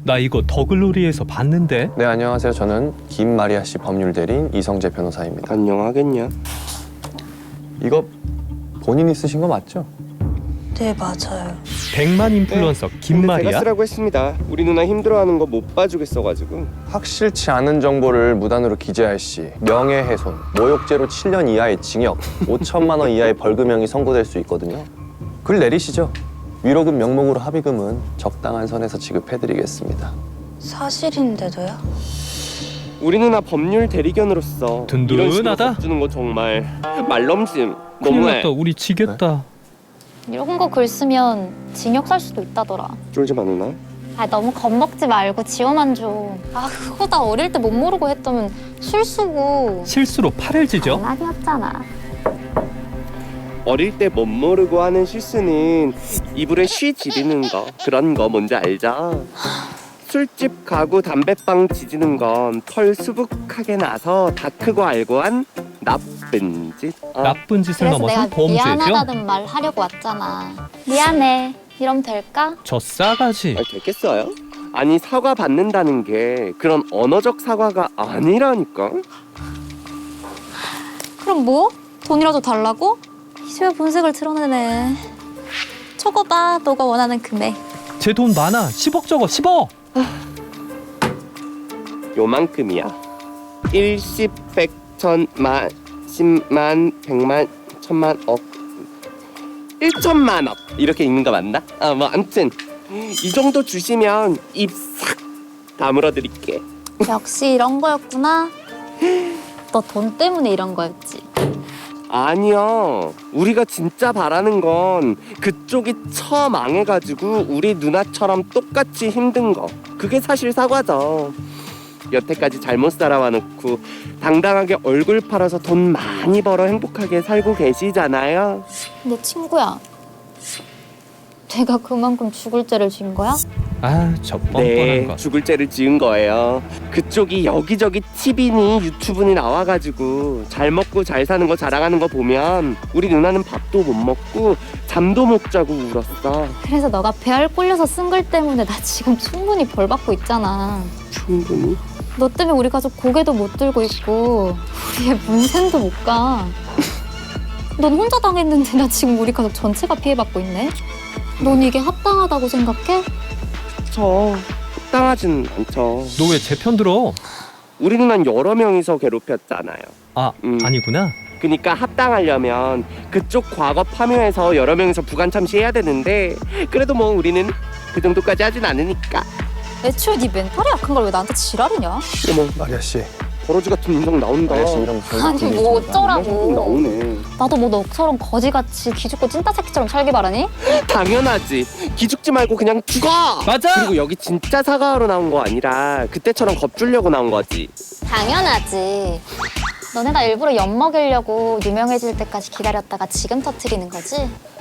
나 이거 더글로리에서 봤는데. 네, 안녕하세요. 저는 김마리아 씨 법률 대리인 이성재 변호사입니다. 안녕하겠냐? 이거 본인이 쓰신 거 맞죠? 네, 맞아요. 100만 인플루언서 근데 제가 김마리아. 쓰라고 했습니다. 우리 누나 힘들어하는 거 못 봐주겠어가지고. 확실치 않은 정보를 무단으로 기재할 시 명예훼손, 모욕죄로 7년 이하의 징역, 5천만 원 이하의 벌금형이 선고될 수 있거든요. 글 내리시죠. 위로금 명목으로 합의금은 적당한 선에서 지급해드리겠습니다. 사실인데도요? 우리 누나 법률 대리견으로서 든든하다. 이런 식으로 주는 거 정말 말넘심 큰일 너무해. 났다. 우리 지겠다. 이런 거 글 쓰면 징역 살 수도 있다더라. 쫄지 마 누나. 아 너무 겁먹지 말고 지원만 줘. 아 그거 다 어릴 때 못 모르고 했다면 실수고. 실수로 팔을 지죠. 장난이었잖아. 어릴 때 못 모르고 하는 실수는 이불에 쉬 지르는 거 그런 거 뭔지 알죠? 술집 가고 담배빵 지지는 건 털 수북하게 나서 다 크고 알고 한 나쁜 짓. 나쁜 짓을 그래서 넘어서 내가 범죄죠. 미안하다는 말 하려고 왔잖아. 미안해. 이러면 될까? 저 싸가지. 됐겠어요? 아니 사과 받는다는 게 그런 언어적 사과가 아니라니까. 그럼 뭐? 돈이라도 달라고? 이제야 본색을 드러내네. 적어봐. 너가 원하는 금액. 제 돈 많아. 10억 적어. 10억. 요만큼이야. 1, 10, 100, 1000만, 10만, 100만, 1000만, 억 1천만 억 이렇게 읽는 거 맞나? 뭐 아무튼 이 정도 주시면 입 싹 다물어 드릴게. 역시 이런 거였구나. 너 돈 때문에 이런 거였지. 아니요, 우리가 진짜 바라는 건 그쪽이 처망해가지고 우리 누나처럼 똑같이 힘든 거. 그게 사실 사과죠. 여태까지 잘못 살아와 놓고 당당하게 얼굴 팔아서 돈 많이 벌어 행복하게 살고 계시잖아요. 근데 친구야. 내가 그만큼 죽을 죄를 진 거야? 아, 저 뻔뻔한 네, 거. 죽을 죄를 지은 거예요. 그쪽이 여기저기 TV니 유튜브니 나와가지고 잘 먹고 잘 사는 거 자랑하는 거 보면 우리 누나는 밥도 못 먹고 잠도 못 자고 울었어. 그래서 너가 배알 꼴려서 쓴 글 때문에 나 지금 충분히 벌 받고 있잖아. 충분히? 너 때문에 우리 가족 고개도 못 들고 있고 우리의 문센도 못 가. 넌 혼자 당했는데 나 지금 우리 가족 전체가 피해받고 있네. 넌 이게 합당하다고 생각해? 저 합당하진 않죠. 너 왜 제 편 들어? 우리 누나는 여러 명이서 괴롭혔잖아요. 아, 아니구나. 그러니까 합당하려면 그쪽 과거 파묘해서 여러 명이서 부관 참시해야 되는데 그래도 뭐 우리는 그 정도까지 하진 않으니까. 애초에 네 멘탈이 약한 걸 왜 나한테 지랄이냐? 어머, 마리아 씨, 버러지 같은 인성 나온다. 마리아 씨 이런 아니 뭐 어쩌라고. 나오네. 나도 뭐 너처럼 거지같이 기죽고 찐따 새끼처럼 살기 바라니? 당연하지. 기죽지 말고 그냥 죽어. 맞아. 그리고 여기 진짜 사과하러 나온 거 아니라 그때처럼 겁주려고 나온 거지. 당연하지. 너네 나 일부러 엿먹이려고 유명해질 때까지 기다렸다가 지금 터트리는 거지?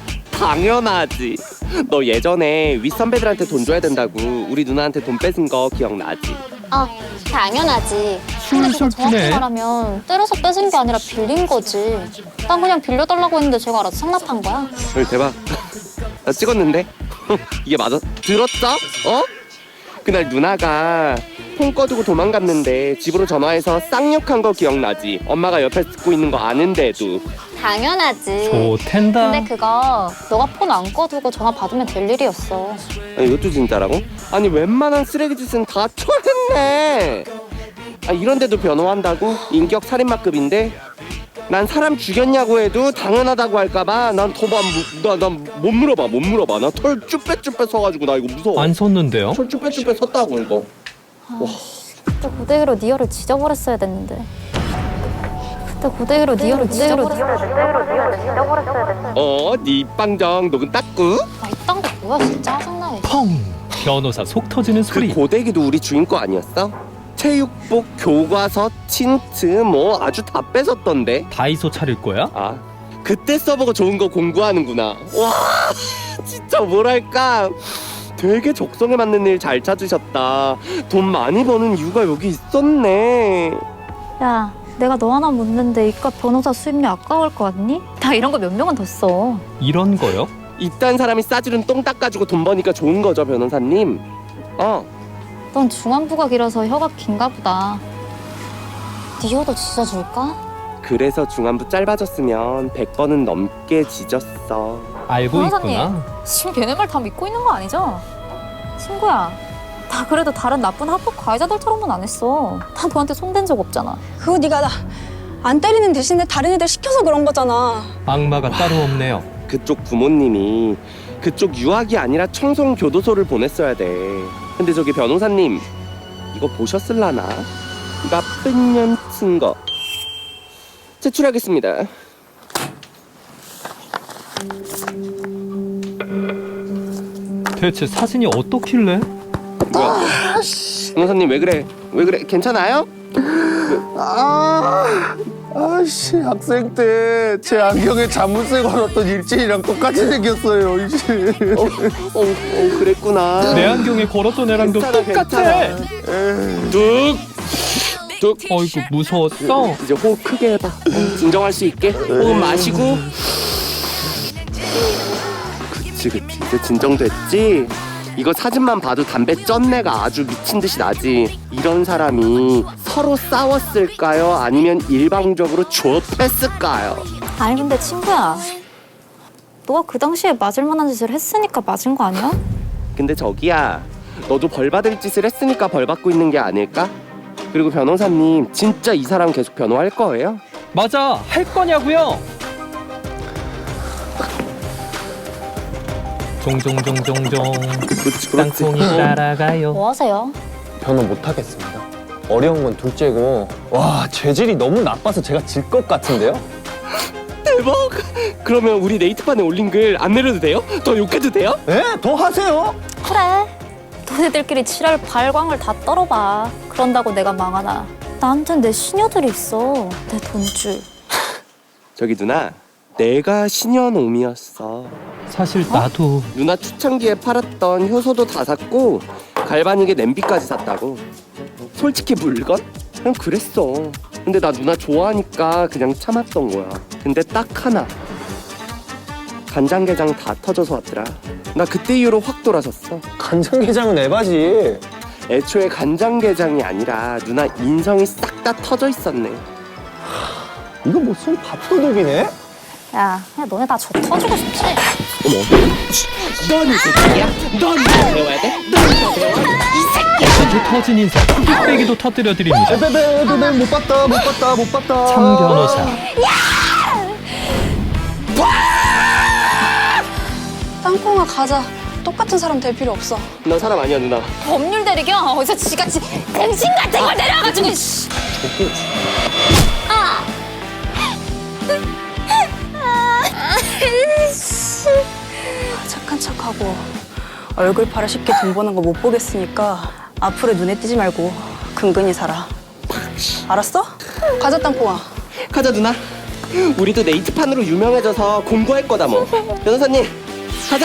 당연하지. 너 예전에 윗선배들한테 돈 줘야 된다고 우리 누나한테 돈 뺏은 거 기억나지? 아, 당연하지. 근데 그거 정확히 술술프네. 말하면 때려서 뺏은 게 아니라 빌린 거지. 난 그냥 빌려달라고 했는데 제가 알아서 상납한 거야. 헐, 대박. 나 찍었는데? 이게 맞아? 들었어? 어? 그날 누나가 폰 꺼두고 도망갔는데 집으로 전화해서 쌍욕한 거 기억나지? 엄마가 옆에 듣고 있는 거 아는데도. 당연하지. 좋텐다. 근데 그거 너가 폰 안 꺼두고 전화 받으면 될 일이었어. 아니 이것도 진짜라고? 아니 웬만한 쓰레기 짓은 다 쳐냈네. 아 이런데도 변호한다고? 인격 살인마급인데? 난 사람 죽였냐고 해도 당연하다고 할까봐 난 못 물어봐. 나 털 쭈빼쭈빼 서가지고 나 이거 무서워. 안 섰는데요? 털 쭈빼쭈빼 섰다고 이거. 그때 고데기로 니어를 지져버렸어야 됐는데. 그때 고데기로 니어를 지져버렸어야 됐는데. 네 입방정 녹은 닦고. 아, 이딴 거 뭐야 진짜 짜증나네. 펑. 변호사 속 터지는 그 소리. 고데기도 우리 주인 거 아니었어? 체육복, 교과서, 틴트 뭐 아주 다 뺏었던데. 다이소 차릴 거야? 아 그때 써보고 좋은 거 공부하는구나. 와 진짜 뭐랄까 되게 적성에 맞는 일 잘 찾으셨다. 돈 많이 버는 이유가 여기 있었네. 야, 내가 너 하나 묻는데 이깟 변호사 수임료 아까울 거 같니? 나 이런 거 몇 명은 더 써. 이런 거요? 이딴 사람이 싸지른 똥 닦아주고 돈 버니까 좋은 거죠 변호사님. 넌 중안부가 길어서 혀가 긴가 보다. 네 혀도 짖어줄까? 그래서 중안부 짧아졌으면 100번은 넘게 짖었어. 알고 변호사님. 있구나. 지금 걔네 말 다 믿고 있는 거 아니죠? 친구야, 나 그래도 다른 나쁜 합법 가해자들처럼은 안 했어. 나 너한테 손댄 적 없잖아. 그거 네가 나 안 때리는 대신에 다른 애들 시켜서 그런 거잖아. 악마가 따로 없네요. 그쪽 부모님이 그쪽 유학이 아니라 청송 교도소를 보냈어야 돼. 근데 저기 변호사님 이거 보셨을라나? 나쁜 년 증거 제출하겠습니다. 대체 사진이 어떻길래? 뭐야? 변호사님 왜 그래? 왜 그래? 괜찮아요? 아씨 학생 때 제 안경에 자물쇠 걸었던 일진이랑 똑같이 생겼어요. 이제. 그랬구나. 내 안경에 걸었던 애랑도 괜찮아, 똑같아. 뚝. 어이구 무서웠어. 이제 호흡 크게 해봐. 진정할 수 있게. 호흡 마시고. 그치. 이제 진정됐지? 이거 사진만 봐도 담배 쩐내가 아주 미친 듯이 나지. 이런 사람이 서로 싸웠을까요? 아니면 일방적으로 조업했을까요? 아니 근데 친구야, 너가 그 당시에 맞을 만한 짓을 했으니까 맞은 거 아니야? 근데 저기야, 너도 벌 받을 짓을 했으니까 벌 받고 있는 게 아닐까? 그리고 변호사님, 진짜 이 사람 계속 변호할 거예요? 맞아, 할 거냐고요? 종종종종종 땅콩이 따라가요. 뭐 하세요? 변호 못 하겠습니다. 어려운 건 둘째고 와 재질이 너무 나빠서 제가 질 것 같은데요? 대박! 그러면 우리 네이트판에 올린 글 안 내려도 돼요? 더 욕해도 돼요? 네? 더 하세요. 그래, 너네들끼리 칠할 발광을 다 떨어봐. 그런다고 내가 망하나? 나한텐 내 시녀들이 있어. 내 돈줄. 저기 누나, 내가 신현옴이었어. 사실 나도 누나 초창기에 팔았던 효소도 다 샀고 갈바닉에 냄비까지 샀다고. 솔직히 물건? 그냥 그랬어. 근데 나 누나 좋아하니까 그냥 참았던 거야. 근데 딱 하나, 간장게장 다 터져서 왔더라. 나 그때 이후로 확 돌아섰어. 간장게장은 에바지. 애초에 간장게장이 아니라 누나 인성이 싹 다 터져 있었네. 이거 무슨 밥도둑이네? 야, 그냥 너네 다 저 터지고 싶지? 넌 이 새끼야? 넌 이거 배워야 돼? 넌 이거 배워? 아주 터진 인생 뚝배기도 터뜨려 드립니다. 에베베 못 봤다. 참 변호사. 땅콩아 가자. 똑같은 사람 될 필요 없어. 너 사람 아니야 누나. 법률 대리경 어디서 지같이 등신 같은 걸 내려와가지고. 씨. 착한 척하고 얼굴 팔아 쉽게 돈 버는 거 못 보겠으니까 앞으로 눈에 띄지 말고 근근히 살아. 알았어? 가자 땅콩아. 가자 누나. 우리도 네이트판으로 유명해져서 공부할 거다 뭐. 변호사님 가자.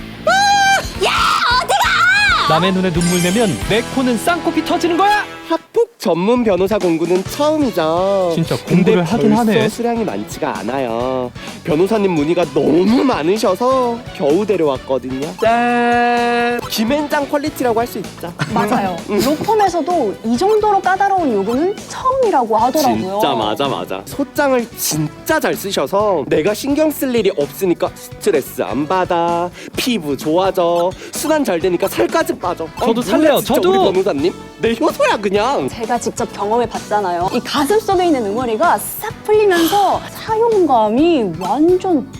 남의 눈에 눈물 내면 내 코는 쌍코피 터지는 거야. 학폭 전문 변호사 공부는 처음이죠. 진짜 공부를 하긴 벌써 하네. 수량이 많지가 않아요. 변호사님 문의가 너무 많으셔서 겨우 데려왔거든요. 짠! 김앤장 퀄리티라고 할 수 있죠. 맞아요. 로펌에서도 이 정도로 까다로운 요구는 처음이라고 하더라고요. 진짜 맞아. 소장을 진짜 잘 쓰셔서 내가 신경 쓸 일이 없으니까 스트레스 안 받아, 피부 좋아져, 순환 잘 되니까 살까지 빠져. 저도 몰라, 살래요, 진짜 저도! 우리 변호사님 내 효소야 그냥. 제가 직접 경험해 봤잖아요. 이 가슴 속에 있는 응어리가 싹 풀리면서 사용감이 완전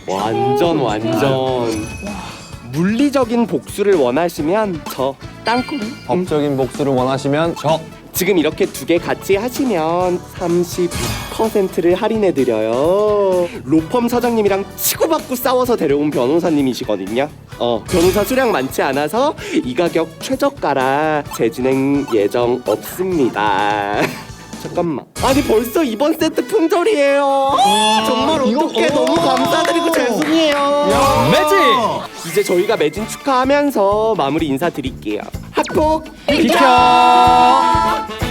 물리적인 복수를 원하시면 저 땅콩. 법적인 복수를 원하시면 저. 지금 이렇게 두 개 같이 하시면 30%를 할인해 드려요. 로펌 사장님이랑 치고받고 싸워서 데려온 변호사님이시거든요. 변호사 수량 많지 않아서 이 가격 최저가라 재진행 예정 없습니다. 잠깐만. 아니 벌써 이번 세트 품절이에요. 정말 어떡해. 너무 감사드리고 죄송해요. 매직. 이제 저희가 매진 축하하면서 마무리 인사드릴게요. 학폭 비켜.